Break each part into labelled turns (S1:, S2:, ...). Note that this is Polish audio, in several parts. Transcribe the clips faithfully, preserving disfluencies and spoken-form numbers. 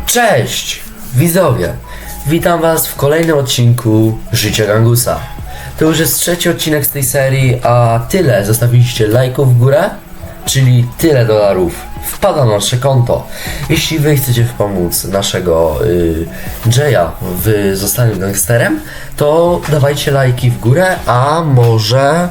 S1: Cześć widzowie, witam was w kolejnym odcinku Życia Gangusa. To już jest trzeci odcinek z tej serii, a tyle zostawiliście lajków w górę, czyli tyle dolarów wpada na nasze konto. Jeśli wy chcecie pomóc naszego y, Jaya w zostaniu gangsterem, to dawajcie lajki w górę, a może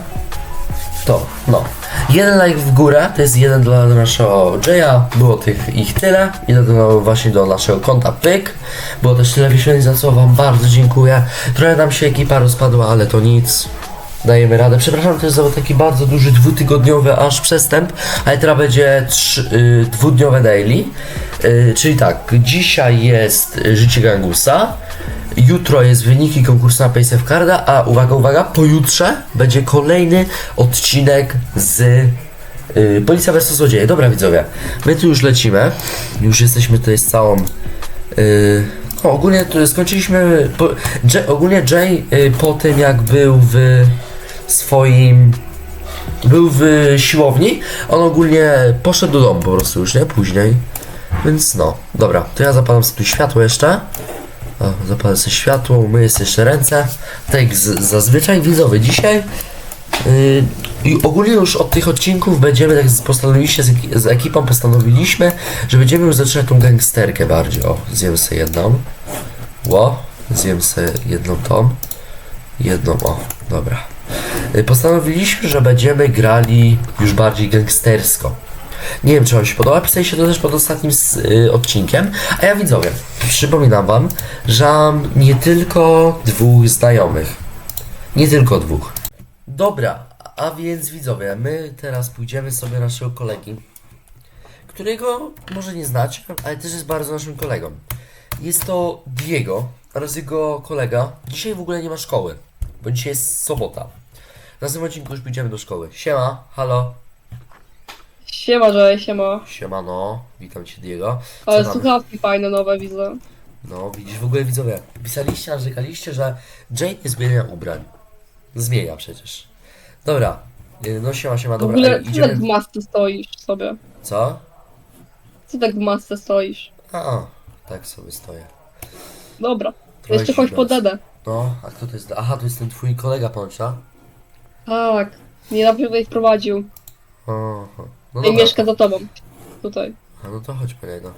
S1: to, no. Jeden like w górę, to jest jeden dla naszego Jaya, było tych ich tyle, ile do, właśnie do naszego konta pyk, było też tyle wyświetleń, za co wam bardzo dziękuję. Trochę nam się ekipa rozpadła, ale to nic, dajemy radę. Przepraszam też za taki bardzo duży dwutygodniowy aż przestęp, ale teraz będzie trzy, y, dwudniowe daily, y, czyli tak, dzisiaj jest Życie Gangusa, jutro jest wyniki konkursu na Paysafe Carda, a uwaga, uwaga, pojutrze będzie kolejny odcinek z yy, Policja versus Złodzieje. Dobra widzowie, my tu już lecimy, już jesteśmy tutaj z całą... Yy, no, ogólnie tu skończyliśmy... Po, Jay, ogólnie Jay yy, po tym jak był w swoim... Był w siłowni, on ogólnie poszedł do domu po prostu już, nie? Później. Więc no, dobra, to ja zapalam sobie tu światło jeszcze. O, zapalę sobie światło, umyję sobie jeszcze ręce. Tak jak z, zazwyczaj widzowie dzisiaj. Yy, I ogólnie już od tych odcinków będziemy, tak postanowiliście z, z ekipą postanowiliśmy, że będziemy już zaczynać tą gangsterkę bardziej. O, zjem sobie jedną. Ło, zjem sobie jedną tą. Jedną, o, dobra. Yy, postanowiliśmy, że będziemy grali już bardziej gangstersko. Nie wiem, czy wam się podoba, pisaliście to też pod ostatnim y, odcinkiem. A ja widzowie, przypominam wam, że mam nie tylko dwóch znajomych. Nie tylko dwóch. Dobra, a więc widzowie, my teraz pójdziemy sobie do naszego kolegi, którego może nie znacie, ale też jest bardzo naszym kolegą. Jest to Diego oraz jego kolega. Dzisiaj w ogóle nie ma szkoły, bo dzisiaj jest sobota. W następnym odcinku już pójdziemy do szkoły. Siema, halo.
S2: Siema, Jay, siema.
S1: Siemano, witam cię Diego. Co
S2: Ale
S1: tam?
S2: słuchawki fajne, nowe widzę.
S1: No widzisz, w ogóle widzowie, pisaliście, narzekaliście, że Jane nie zmienia ubrań. Zmienia przecież. Dobra, y, no siema, siema,
S2: W
S1: dobra,
S2: ogóle,
S1: ej,
S2: co tak w
S1: idziemy...
S2: masce stoisz sobie?
S1: Co?
S2: Co tak w masce stoisz?
S1: A, tak sobie stoję.
S2: Dobra,
S1: Trochę
S2: jeszcze chodź
S1: zimno
S2: po
S1: jest.
S2: dedę.
S1: No, a kto to jest? Aha, to jest ten twój kolega Poncza?
S2: Tak, niedawno tutaj wprowadził.
S1: Oho. No
S2: I
S1: dobra.
S2: mieszka za tobą. Tutaj.
S1: A no to chodź po niego.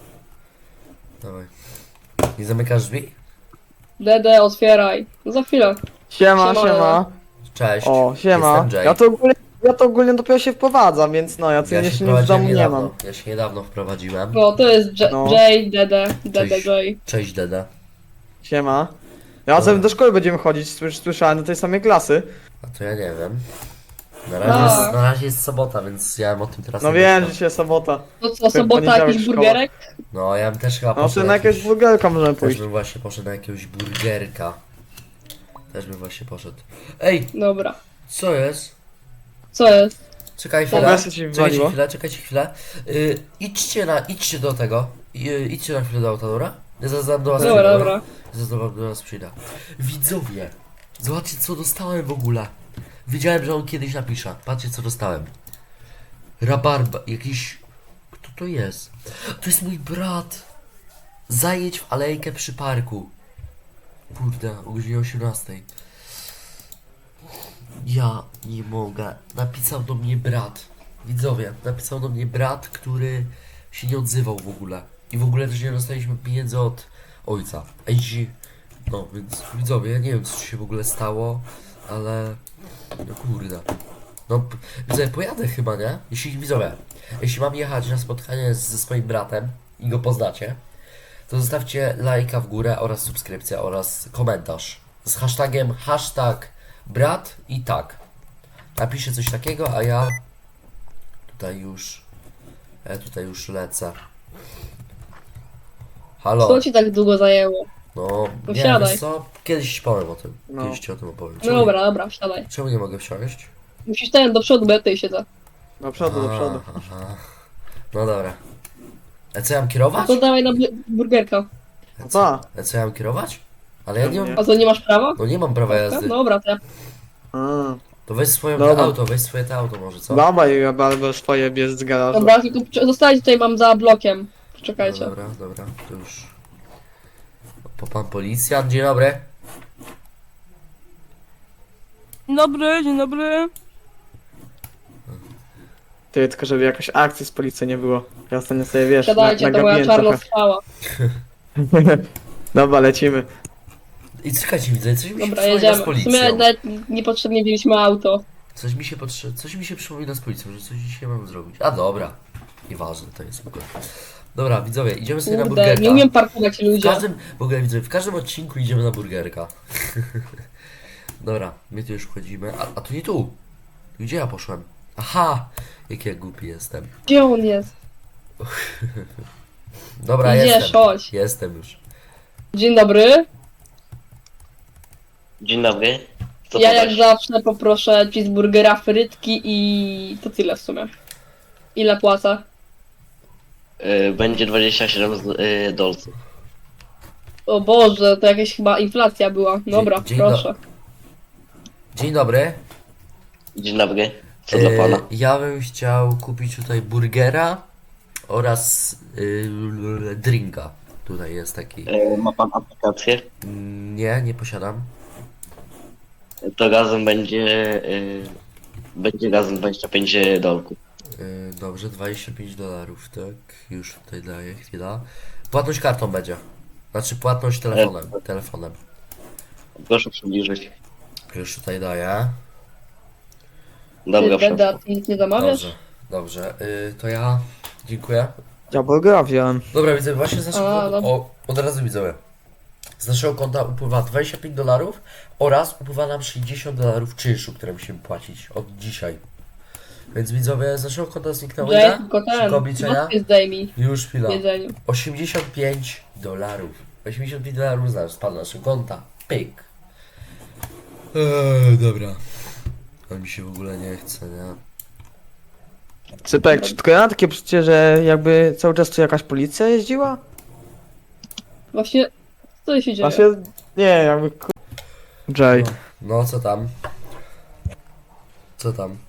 S1: Dawaj. Nie zamykasz drzwi?
S2: Dedę, otwieraj. No za chwilę.
S3: Siema,
S2: Siema.
S3: siema.
S1: Cześć.
S3: O, siema.
S1: Jestem Jay.
S3: Ja to ogólnie, ja to ogólnie dopiero się wprowadzam, więc no, ja co
S1: Ja
S3: ja
S1: się
S3: jeszcze nic w domu nie
S1: niedawno.
S3: mam.
S1: Ja się niedawno wprowadziłem.
S2: No, to jest J-
S3: No.
S2: Jay, Dede, Dede,
S1: Cześć.
S2: Jay.
S1: Cześć Deda.
S3: Siema. Ja
S1: Dobra.
S3: razem do szkoły będziemy chodzić, słysz- słyszałem do tej samej klasy.
S1: A to ja nie wiem. Na razie,
S2: Tak.
S1: jest, na razie jest sobota, więc ja bym o tym teraz
S3: No
S1: nie
S3: wiem,
S1: myślał.
S3: że dzisiaj sobota.
S2: No co, sobota,
S3: poniedziałek
S2: jakiś
S3: szkoła.
S2: burgerek?
S1: No ja bym też chyba
S3: No
S1: poszedł
S3: to na jakiegoś
S1: jakiś-
S3: burgerka możemy
S1: Też
S3: pójść.
S1: bym właśnie poszedł na jakiegoś burgerka. Też bym właśnie poszedł. Ej,
S2: Dobra.
S1: co jest?
S2: Co jest?
S1: Czekaj
S2: Dobra,
S1: chwilę.
S3: co ci
S1: Czekajcie
S3: wywaliło?
S1: chwilę, czekajcie chwilę. Yy, idźcie na, idźcie do tego. Yy, idźcie na chwilę do auta, dobra? Ja zaraz do was
S2: Dobra,
S1: przyjdę,
S2: dobra.
S1: Zaraz do, do was przyjdę. Widzowie, zobaczcie co dostałem w ogóle. Wiedziałem, że on kiedyś napisze. Patrzcie co dostałem. Rabarba, jakiś... Kto to jest? To jest mój brat. Zajedź w alejkę przy parku. Kurde, o godzinie osiemnastej. Ja nie mogę. Napisał do mnie brat. Widzowie, napisał do mnie brat, który się nie odzywał w ogóle. I w ogóle też nie dostaliśmy pieniędzy od ojca. Ej, ci- no więc widzowie, ja nie wiem co się w ogóle stało, ale... No kurde. No, p- widzowie, pojadę chyba, nie? Jeśli, widzowie, jeśli mam jechać na spotkanie z, ze swoim bratem i go poznacie, to zostawcie lajka w górę oraz subskrypcję oraz komentarz z hashtagiem hashtag brat i tak. Napiszcie coś takiego, a ja tutaj już ja tutaj już lecę. Halo.
S2: Co ci tak długo zajęło?
S1: No,
S2: To
S1: nie
S2: wsiadaj.
S1: wiesz co? Kiedyś ci powiem o tym.
S3: No.
S1: Kiedyś ci o tym opowiem.
S2: No
S1: Czemu,
S2: dobra, dobra, wsiadaj.
S1: czemu nie mogę wsiąść?
S2: Musisz ten do przodu, bo ja tutaj siedzę.
S3: Do przodu, do przodu.
S1: Aha, aha. No dobra. A co ja mam kierować?
S2: To dawaj na bu- burgerka.
S3: No co?
S1: A co ja mam kierować? Ale ja nie mam...
S2: A co, nie masz prawa?
S1: No nie mam prawa jazdy.
S2: Dobra, to ja...
S3: A,
S1: To weź swoje
S3: Dobra.
S1: auto, weź swoje te auto może, co?
S3: Dawaj, ja albo swoje bierz z garażu.
S2: Dobra, tylko zostańcie tutaj, mam za blokiem.
S1: No
S2: Czekajcie.
S1: dobra, dobra, to już... po pan policjant, dzień dobry.
S4: Dzień dobry, dzień dobry.
S3: Ty, tylko żeby jakaś akcji z policji nie było. Ja ostatnio sobie, wiesz, na,
S2: Gadajcie, to moja
S3: nagabiłem
S2: czarna
S3: trochę.
S2: strzała.
S3: Dobra, lecimy.
S1: I czekajcie, widzę, coś mi się
S2: Dobra,
S1: przypomina
S2: jedziemy.
S1: z
S2: W
S1: policją.
S2: sumie nawet niepotrzebnie wzięliśmy auto.
S1: Coś mi się potrze... coś mi się przypomina z policją, że coś dzisiaj mam zrobić. A dobra. Nieważne, to jest spokojnie. Dobra, widzowie, idziemy sobie na
S2: Kurde,
S1: burgerka.
S2: nie umiem parkować
S1: W
S2: ludzie.
S1: każdym, w ogóle widzowie, w każdym odcinku idziemy na burgerka. Dobra, my tu już wchodzimy. A, a tu nie tu. Gdzie ja poszłem? Aha! Jak ja głupi jestem.
S2: Gdzie on jest?
S1: Dobra,
S2: Gdzie,
S1: jestem.
S2: chodź.
S1: Jestem już.
S2: Dzień dobry.
S5: Dzień dobry. Co
S2: Ja
S5: podać?
S2: jak zawsze poproszę cheeseburgera, frytki i to tyle w sumie. Ile płacę?
S5: Y, Będzie dwadzieścia siedem z- y, dolców.
S2: O Boże, to jakaś chyba inflacja była. Dobra,
S1: dzień
S2: proszę.
S1: Dzień dobry.
S5: Dzień dobry. Co dla
S1: E,
S5: pana?
S1: Ja bym chciał kupić tutaj burgera oraz yy, drinka. Tutaj jest taki.
S5: Y, Ma pan aplikację?
S1: Mm, Nie, nie posiadam.
S5: To razem będzie... Y, będzie razem dwadzieścia pięć dolków.
S1: Yy, Dobrze, dwadzieścia pięć dolarów, tak. Już tutaj daję, chwila. Płatność kartą będzie. Znaczy płatność telefonem. Telefonem.
S5: Proszę przybliżyć.
S1: Już tutaj daję.
S5: Dobra,
S2: Ty, Beda,
S5: wszystko.
S2: ty nic nie zamawiasz?
S1: Dobrze, dobrze. Yy, to ja. Dziękuję.
S3: Ja burgera wziąłem.
S1: Dobra, widzę, właśnie z
S2: A,
S1: naszego konta,
S2: dobra.
S1: o, od razu widzowie. Z naszego konta upływa dwadzieścia pięć dolarów oraz upływa nam sześćdziesiąt dolarów czynszu, które musimy płacić od dzisiaj. Więc widzowie, z naszego konta zniknęło
S2: Jay,
S1: ile?
S2: tylko
S1: Szybko
S2: ten.
S1: obliczenia?
S2: Maskę zdejmij
S1: Już chwila.
S2: w jedzeniu.
S1: osiemdziesiąt pięć dolarów. osiemdziesiąt pięć dolarów znasz, spadł naszego konta. Pyk. Eee, dobra. A mi się w ogóle nie chce, nie?
S3: Cypek, czy tylko ja mam takie przeczucie, że jakby cały czas tu jakaś policja jeździła?
S2: Właśnie, co się dzieje?
S3: Właśnie, nie, jakby ku... Jay.
S1: No, no co tam? Co tam?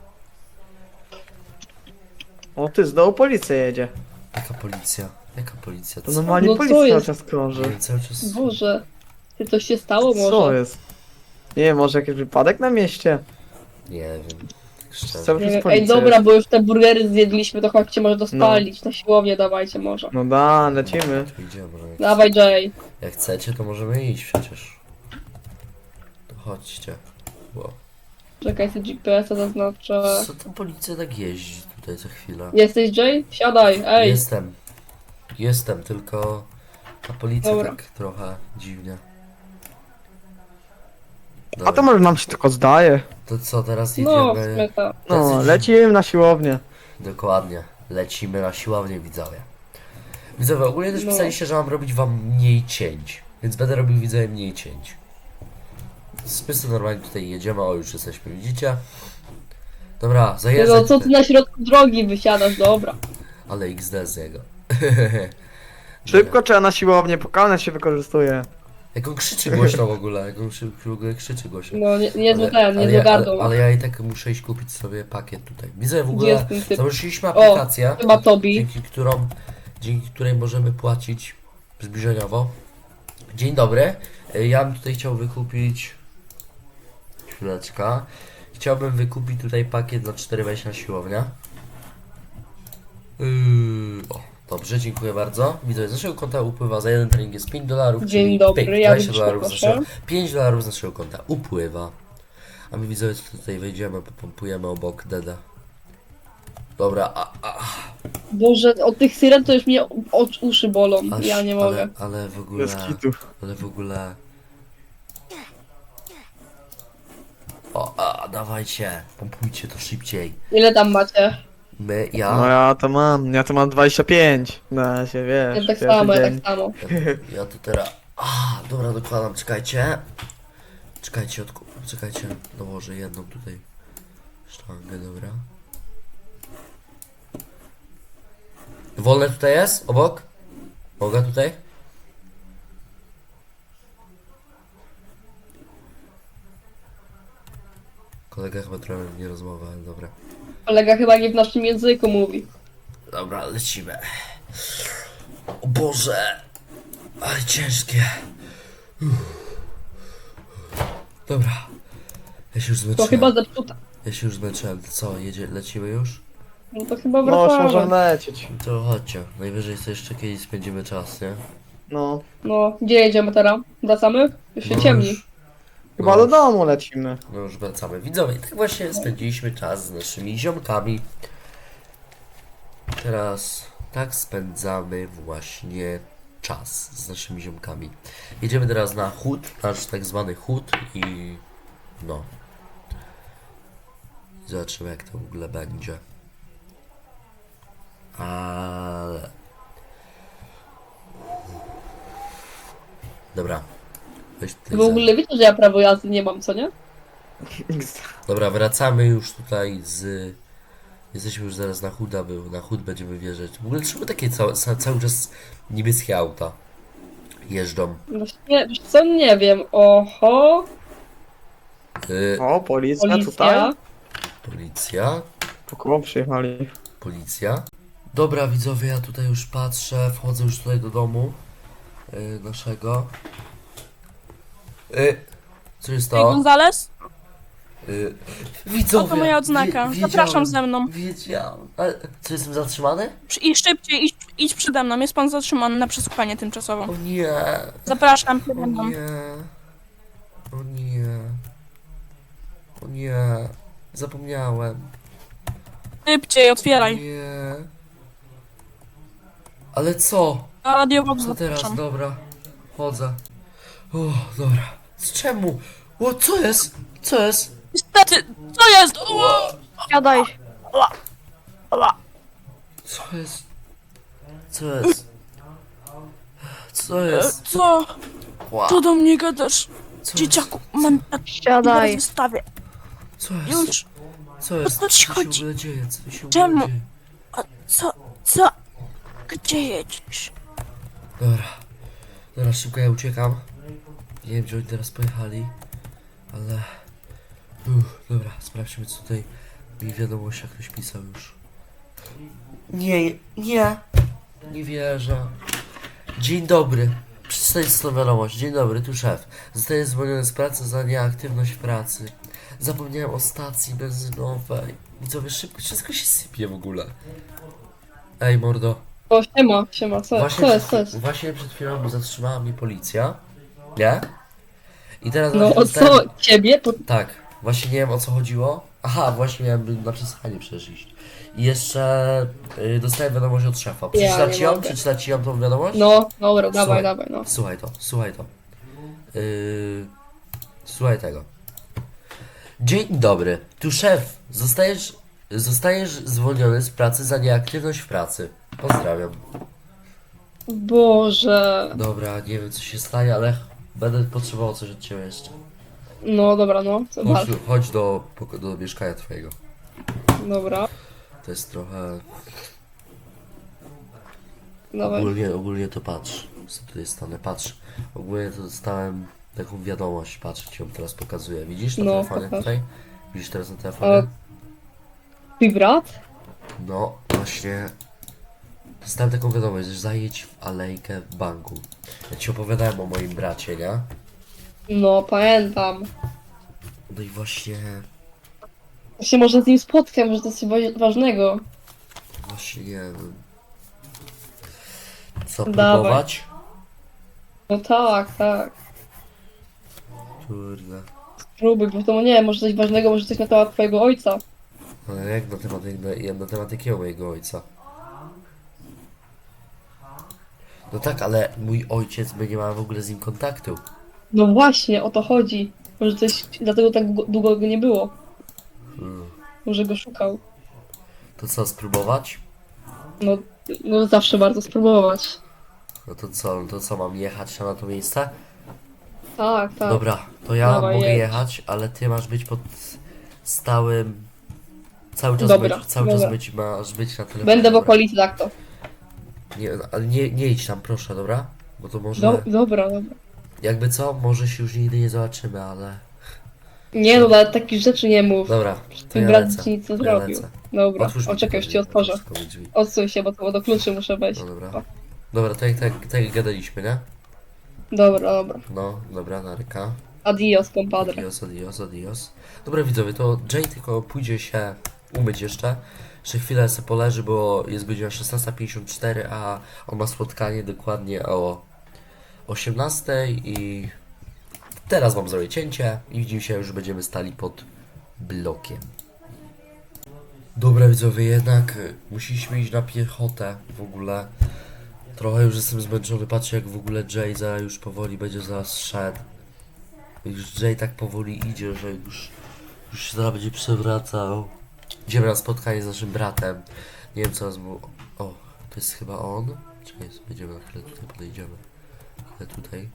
S3: O ty, znowu policja jedzie.
S1: Jaka policja? Jaka policja?
S3: To
S1: Co?
S3: normalnie
S2: No co
S3: policja cały
S2: jest?
S3: czas krąży.
S1: Nie wiem, cały czas...
S2: Boże, ty coś się stało
S3: Co
S2: może?
S3: jest? Nie wiem, może jakiś wypadek na mieście?
S1: Nie wiem. Tak szczerze.
S3: Cały
S2: Nie
S3: czas
S2: wiem.
S3: policja
S2: Ej, dobra,
S3: jest.
S2: bo już te burgery zjedliśmy, to chodźcie może to spalić. Na siłownię dawajcie może.
S3: No da, lecimy.
S1: Tu idziemy. Jak,
S2: Dawaj, Jay.
S1: jak chcecie, to możemy iść przecież. To chodźcie. Wow.
S2: Czekaj, sobie G P S-a zaznaczę.
S1: Co ta policja tak jeździ tutaj co chwilę?
S2: Jesteś Jay? Siadaj, ej.
S1: Jestem. Jestem, tylko ta policja
S2: Dobra.
S1: tak trochę dziwnie.
S3: A
S1: Dobra,
S3: to może nam się tylko zdaje.
S1: to co, teraz
S2: No, w
S1: idziemy...
S2: sumie tak.
S3: No,
S1: Tacy-
S3: lecimy na siłownię.
S1: Dokładnie. Lecimy na siłownię, widzowie. Widzowie, ogólnie też
S2: No.
S1: pisaliście, że mam robić wam mniej cięć. Więc będę robił, widzowie, mniej cięć. My sobie normalnie tutaj jedziemy, o już jesteśmy, widzicie? Dobra,
S2: No
S1: zajeżdżaj
S2: co ty
S1: tutaj.
S2: na środku drogi wysiadasz, dobra.
S1: Ale X D z niego.
S3: Szybko trzeba na siłownię, pokałnę się wykorzystuje.
S1: Jak on krzyczy głośno w ogóle, jak on krzy- w ogóle krzyczy głośno.
S2: No, nie, niezły
S1: Ale-
S2: ten,
S1: ale
S2: niezły
S1: ja, ale,
S2: gardło.
S1: ale ja i tak muszę iść kupić sobie pakiet tutaj. Widzę w
S2: Gdzie
S1: ogóle,
S2: jest ten typ?
S1: założyliśmy
S2: O,
S1: aplikację,
S2: chyba Tobi.
S1: dzięki, którą, dzięki której możemy płacić zbliżeniowo. Dzień dobry, Y, ja bym tutaj chciał wykupić... Chwileczka. Chciałbym wykupić tutaj pakiet na cztery wejścia na siłownię. Yy, o, dobrze, dziękuję bardzo. Widzę, z naszego konta upływa za jeden trening jest pięć dolarów.
S2: Dzień
S1: czyli
S2: dobry,
S1: pyk,
S2: ja
S1: dwadzieścia
S2: bym
S1: dolarów z
S2: proszę.
S1: naszego, pięć dolarów z naszego konta upływa. A my widzowie tutaj wejdziemy, popompujemy obok Deda. Dobra, a, a,
S2: Boże, od tych syren to już mnie oczy, uszy bolą.
S1: aż,
S2: Ja nie mogę.
S1: ale, ale w ogóle,
S3: Bez kitu.
S1: ale w ogóle... O, a, dawajcie, pompujcie to szybciej.
S2: Ile tam macie?
S1: My,
S3: No
S1: ja,
S3: ja to mam, ja to mam dwadzieścia pięć. Na się, wiesz.
S2: Ja tak
S3: pierwszy
S2: samo, ja
S3: dzień.
S2: tak samo.
S1: ja, ja to teraz... A, dobra, dokładam, czekajcie. Czekajcie, odku... czekajcie, dołożę jedną tutaj sztangę, dobra. Wolne tutaj jest? Obok? Mogę tutaj? Kolega chyba trochę nie rozmowa, ale dobra.
S2: Kolega chyba nie w naszym języku mówi.
S1: Dobra, lecimy. O Boże! Ale ciężkie. Uff. Dobra. Ja się już
S2: To
S1: zmęczyłem.
S2: chyba zepsuta.
S1: Ja się już zmęczyłem. Co, jedzie, lecimy już?
S2: No to chyba
S3: No, już
S2: wracamy.
S3: możemy lecieć.
S1: To chodźcie. Najwyżej sobie jeszcze kiedyś spędzimy czas, nie?
S3: No.
S2: No, gdzie jedziemy teraz? Wracamy? Już się
S1: No
S2: ciemni.
S1: już-
S3: Chyba
S1: no
S3: do
S1: już-
S3: domu lecimy.
S1: No już wracamy. Widzowie, tak właśnie spędziliśmy czas z naszymi ziomkami. Teraz tak spędzamy właśnie czas z naszymi ziomkami. Jedziemy teraz na chód, nasz tak zwany chód i no. Zobaczymy jak to w ogóle będzie. Ale... Dobra. Weź tutaj
S2: W ogóle wiecie, że ja prawo jazdy nie mam, co nie?
S1: Dobra, wracamy już tutaj z... Jesteśmy już zaraz na chuda, był. Na chód będziemy wjeżdżać. W ogóle czemu takie całe, ca- cały czas niebieskie auta jeżdżą?
S2: Właśnie, wiesz co, nie wiem. Oho,
S1: Y,
S3: O, policja,
S2: policja.
S3: tutaj.
S1: policja,
S3: Po kogo przyjechali?
S1: policja. Dobra widzowie, ja tutaj już patrzę, wchodzę już tutaj do domu y, naszego. Y, co jest
S4: Ej,
S1: to?
S4: Gonzales?
S1: Y, widzowie,
S4: Oto moja odznaka.
S1: wie-
S4: Zapraszam
S1: wiedziałem,
S4: ze mną.
S1: Wiedziałem. Ale co, jestem zatrzymany?
S4: Przy- I szybciej, idź, idź przede mną. Jest pan zatrzymany na przesłuchanie tymczasowe.
S1: O nie.
S4: Zapraszam
S1: O
S4: przede mną.
S1: nie. O nie. O nie. Zapomniałem.
S4: Szybciej, otwieraj.
S1: Nie. Ale co?
S4: Radiowo
S1: Co teraz?
S4: zapraszam.
S1: Dobra. Chodzę. O, dobra. Z czemu? O, co jest? Co jest?
S4: Niestety, co jest? O!
S2: Siadaj.
S1: Co jest? Co jest? Co
S4: E,
S1: jest?
S4: Co?
S1: Ła,
S4: Co do mnie gadasz?
S1: co
S4: Dzieciaku, mam na
S2: Siadaj.
S4: wystawię.
S1: Co jest?
S4: Już.
S1: Co jest?
S4: co ci
S1: Co się w
S4: chodzi?
S1: ogóle dzieje? Co się w ogóle
S4: Czemu?
S1: dzieje?
S4: A co? Co? Gdzie jedziesz?
S1: Dobra. Dobra, szybko ja uciekam. Nie wiem, gdzie oni teraz pojechali, ale... Uff, dobra, sprawdźmy, co tutaj mi w wiadomościach ktoś pisał już. Nie, nie. Nie wierzę. Dzień dobry. Przeczytaj tą wiadomość. Dzień dobry, tu szef. Zostaję zwolniony z pracy za nieaktywność w pracy. Zapomniałem o stacji benzynowej. Widzowie, szybko, wszystko się sypie w ogóle. Ej, mordo.
S2: O, siema, siema, co,
S1: Właśnie,
S2: co jest,
S1: przed,
S2: co jest?
S1: właśnie przed chwilą zatrzymała mnie policja. Nie? I teraz
S2: No
S1: właśnie
S2: o
S1: dostałem-
S2: co, ciebie? To
S1: Tak, właśnie nie wiem o co chodziło. Aha, właśnie miałem na przesłuchanie przecież iść. I jeszcze y, dostałem wiadomość od szefa. Przeczytać
S2: nie
S1: ci ją?
S2: mogę.
S1: Przeczytać ci ją tą wiadomość?
S2: No, dobra, dawaj,
S1: Słuchaj.
S2: dawaj, no.
S1: Słuchaj to, słuchaj to. Yy, słuchaj tego. Dzień dobry. Tu szef. Zostajesz, zostajesz zwolniony z pracy za nieaktywność w pracy. Pozdrawiam.
S2: Boże.
S1: Dobra, nie wiem co się stanie, ale będę potrzebował coś od ciebie jeszcze.
S2: No, dobra, no,
S1: Chodź,
S2: zobacz.
S1: tu- chodź do, poko- do mieszkania twojego.
S2: Dobra,
S1: To jest trochę...
S2: dawaj.
S1: Ogólnie, ogólnie to patrz. Co tutaj stanę, patrz. Ogólnie to dostałem taką wiadomość, patrz, ci ją teraz pokazuję. Widzisz na
S2: No,
S1: telefonie
S2: pokaż.
S1: tutaj? Widzisz teraz na telefonie?
S2: A- Twój brat?
S1: No, właśnie. Dostałem taką wiadomość, że zajedź w alejkę w banku. Ja ci opowiadałem o moim bracie, nie?
S2: No, pamiętam.
S1: No i właśnie...
S2: Ja się może z nim spotkam, może to jest coś wa- ważnego.
S1: Właśnie nie wiem. Co,
S2: Dawaj.
S1: próbować?
S2: No tak, tak.
S1: Kurde.
S2: Spróbuj, bo to nie wiem, może coś ważnego, może coś na temat twojego ojca.
S1: Ale jak na temat, jak na, jak na temat jakiego mojego ojca? No tak, ale mój ojciec, my nie mamy w ogóle z nim kontaktu.
S2: No właśnie, o to chodzi. Może coś, dlatego tak długo- długo go nie było.
S1: Hmm.
S2: Może go szukał.
S1: To co, spróbować?
S2: No, no zawsze warto spróbować.
S1: No to co, no to co, mam jechać na to miejsce?
S2: Tak, tak.
S1: Dobra, to ja
S2: Dawaj,
S1: mogę
S2: jedź.
S1: jechać, ale ty masz być pod stałym... Cały czas
S2: Dobra,
S1: być, cały
S2: dobra.
S1: czas być, masz być na telefonie.
S2: Będę w
S1: dobra?
S2: okolicy, tak to.
S1: Nie, ale nie, nie idź tam, proszę, dobra? Bo to może...
S2: Do, dobra, dobra.
S1: Jakby co, może się już nigdy nie zobaczymy, ale...
S2: Nie no, ale takich rzeczy nie mów.
S1: Dobra, to
S2: Twój
S1: ja
S2: brat
S1: lecę.
S2: ci nic nie
S1: Ja
S2: zrobił.
S1: lecę.
S2: Dobra,
S1: Otwórz
S2: o
S1: mi
S2: czekaj, już ci
S1: tylko
S2: otworzę.
S1: otwórz mi drzwi.
S2: Odsuń się, bo to do kluczy muszę wejść.
S1: No dobra. Dobra, tak, tak, tak jak gadaliśmy, nie?
S2: Dobra, dobra.
S1: No, dobra, naryka.
S2: Adios, compadre.
S1: Adios, adios, adios. Dobra widzowie, to Jay tylko pójdzie się umyć jeszcze. Jeszcze chwilę sobie poleży, bo jest godzina szesnasta pięćdziesiąt cztery, a on ma spotkanie dokładnie o osiemnastej i teraz wam zrobię cięcie i widzimy się, już będziemy stali pod blokiem. Dobra widzowie, jednak musieliśmy iść na piechotę w ogóle. Trochę już jestem zmęczony, patrzę jak w ogóle Jay za już powoli będzie zaraz szedł. Już Jay tak powoli idzie, że już, już się zaraz będzie przewracał. Idziemy na spotkanie z naszym bratem. Nie wiem co nas mu... O, to jest chyba on? Czekaj, będziemy na chwilę tutaj, podejdziemy. Chwilę tutaj.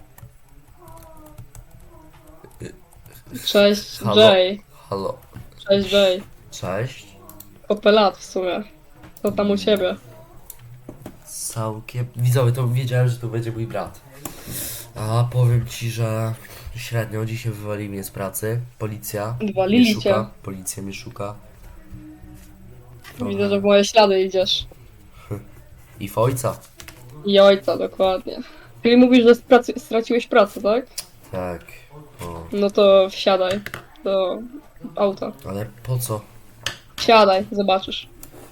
S2: Cześć,
S1: Halo?
S2: Jay.
S1: Halo.
S2: Cześć, Jay.
S1: Cześć.
S2: Kopę lat w sumie. Co tam u ciebie?
S1: Całkiem... Widzowie, to wiedziałem, że to będzie mój brat. A powiem ci, że średnio dzisiaj wywali mnie z pracy. Policja
S2: Wywalili
S1: mnie
S2: cię.
S1: szuka. Policja mnie szuka.
S2: Widzę, że w moje ślady idziesz.
S1: I w ojca.
S2: I ojca, dokładnie. Czyli mówisz, że sprac- straciłeś pracę, tak?
S1: Tak. O.
S2: No to wsiadaj do auta.
S1: Ale po co?
S2: Wsiadaj, zobaczysz.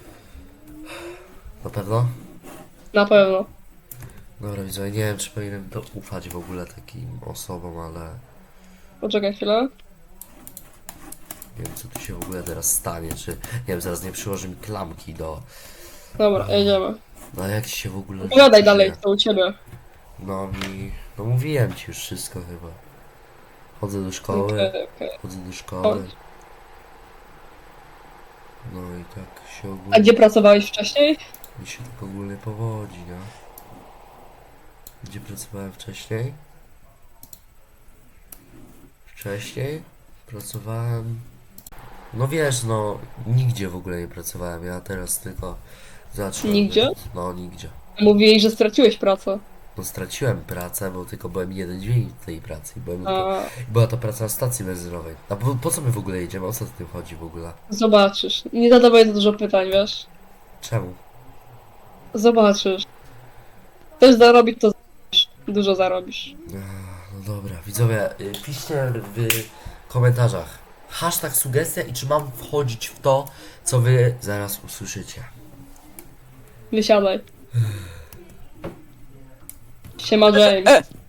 S1: Na pewno?
S2: Na pewno.
S1: Dobra, widzowie, nie wiem, czy powinienem to ufać w ogóle takim osobom, ale
S2: Poczekaj chwilę.
S1: nie wiem, co tu się w ogóle teraz stanie, czy, nie wiem, zaraz nie przyłoży mi klamki do...
S2: Dobra, jedziemy.
S1: No jak ci się w ogóle...
S2: Opowiadaj
S1: żyje?
S2: dalej, co u ciebie.
S1: No mi... No mówiłem ci już wszystko chyba. Chodzę do szkoły,
S2: Okej, okej.
S1: chodzę do szkoły.
S2: Chodź.
S1: No i tak się
S2: A
S1: ogólnie...
S2: gdzie pracowałeś wcześniej?
S1: Mi się tak ogólnie powodzi, no. Gdzie pracowałem wcześniej? Wcześniej pracowałem... No wiesz, no nigdzie w ogóle nie pracowałem, ja teraz tylko zacząłem...
S2: Nigdzie?
S1: No nigdzie.
S2: Mówiłeś, że straciłeś pracę.
S1: No straciłem pracę, bo tylko byłem jeden dzień w tej pracy. Byłem tylko...
S2: A
S1: Była to praca na stacji benzynowej. A po, po co my w ogóle jedziemy? O co w tym chodzi w ogóle?
S2: zobaczysz. Nie zadawaj za dużo pytań, wiesz?
S1: Czemu?
S2: Zobaczysz. Chcesz zarobić, to zarobisz. Dużo zarobisz.
S1: No dobra, widzowie, y, piszcie w komentarzach hashtag sugestia i czy mam wchodzić w to, co wy zaraz usłyszycie.
S2: Wysiadaj. Siema, James.
S4: E,